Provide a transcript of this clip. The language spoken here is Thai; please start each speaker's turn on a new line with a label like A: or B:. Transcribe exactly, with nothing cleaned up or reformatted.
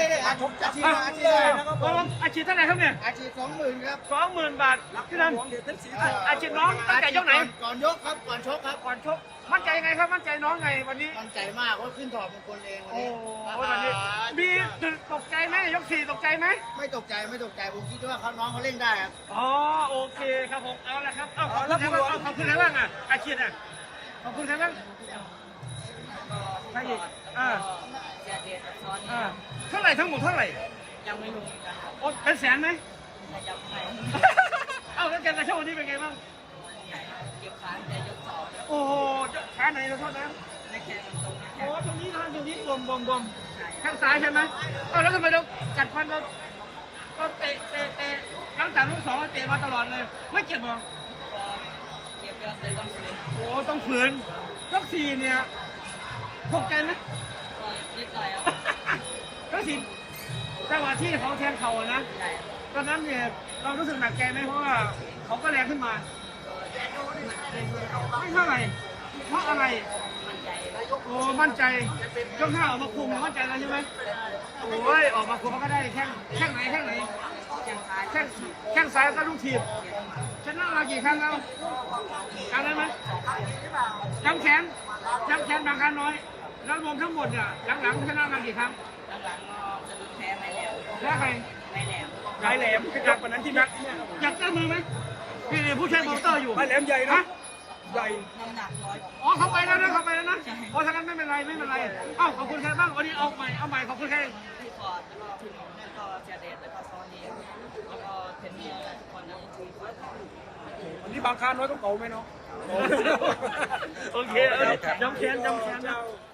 A: ได้ได้อาชกอาชีพอาชีพได้นะครับผม
B: อาชีพเท่าไหร่ครับเนี่ย
A: อาชีพสองหมื่นครับ
B: สองหมื่นบาทพี่นันอาชีพน้องตั้งแต่ยกไหน
A: ก่อนยกครับก่อนชกครับ
B: ก่อนชกมั่นใจยังไงครับมั่นใจน้องไงวันนี้
A: มั่นใจมากว่าขึ้นถอดมงคลเองวัน
B: โอ้
A: นี้
B: โหวันนี้มีตกใจไหมยกสี่ตกใจไหม
A: ไม่ตกใจไม่ตกใจผมคิดว่าเขาน้องเขาเล่นได้ครับ
B: อ๋อโอเคครับผมเอาละครับเอาขอบคุณใครบ้างเอาขอบคุณใครบ้างอ่ะอาชีพอ่ะขอบคุณใครบ้างใครอีกอ่าอ่าเท่าไหร่ทั้งหมดเท่าไหร่
C: ยังไม่รู้กันครับ
B: โอ้เป็นแสนไหม
C: ยังไม่
B: เอาแล้วการกระโชว์วันนี้เป็นไงบ้าง
C: เก็บขาแต่ยกสอง
B: โอ้โหขาไหนเราโทษนะ
C: ในแขนตรงนี้
B: โอ้ตรงนี้ทางตรงนี้บวมบวมบวมข้างซ้ายใช่ไหมเอาแล้วทำไมเรากัดฟันเราก็เตะเตะเตะหลังจากลูกสองเราเตะมาตลอดเลย ไม่เจ็บหรอ
C: เก็บยอดเลยต้องฟื้น
B: โอ้ต้องฝืนยกสี่เนี่ยตกใจไหม
C: ก็นิดหน่อยครับ
B: ยกสี่จังหวะที่เขาแทงเข่าอะนะ
C: ใช่
B: ตอนนั้นเนี่ยเรารู้สึกหนักใจไหมเพราะว่าเขาก็แรงขึ้นมาไม่เท่าไหร่เพราะอะไร
C: มั่นใจ
B: โอ้มั่นใจยกห้าออกมาคุมมั่นใจแล้วใช่ไหมโอ้ยออกมาคุมมันก็ได้แข้งแข้งไหนแข้งไหน
C: ยังขา
B: แข้งแข้งซ้ายก็ลูกทีบชนะมากี่ครั้งแล้วจำได้ไหมจำแขนจำแขนบางครั้งน้อย แล้วรวมทั้งหมดเนี่ยหลังๆชนะมากี่ครั้ง
C: หลังๆก็จะแพ้ไม่แล้ว
B: แพ้ใคร
C: ไม่แล้ว
B: ไายแหลมคือจับวันนั้นที่นักอยากเจอมือไหมพี่นี่ผู้ช่วยโปรโมเตอร์อยู่ไายแหลมใหญ่นะใหญ่
C: น้ำหนักร้อย
B: อ๋อเขาไปแล้วนะเขาไปแล้วนะเพราะฉะนั้นไม่เป็นไรไม่เป็นไรเอ้าขอบคุณใครบ้างวันนี้เอาใหม่เอาใหม่ขอบคุณใคร
C: พี่ฟอร์ดแล้วก็พี่หนุ่มแล้วก็เจเดตแล้วก็ซอนนี่แล้วก็เทนเนียร์ทุกคนนะที่ฟอร์ด
B: วันนี้บางคาน้อยต้องเก่าไหมเนาะโอเคเออจำแขนจำแขนนะ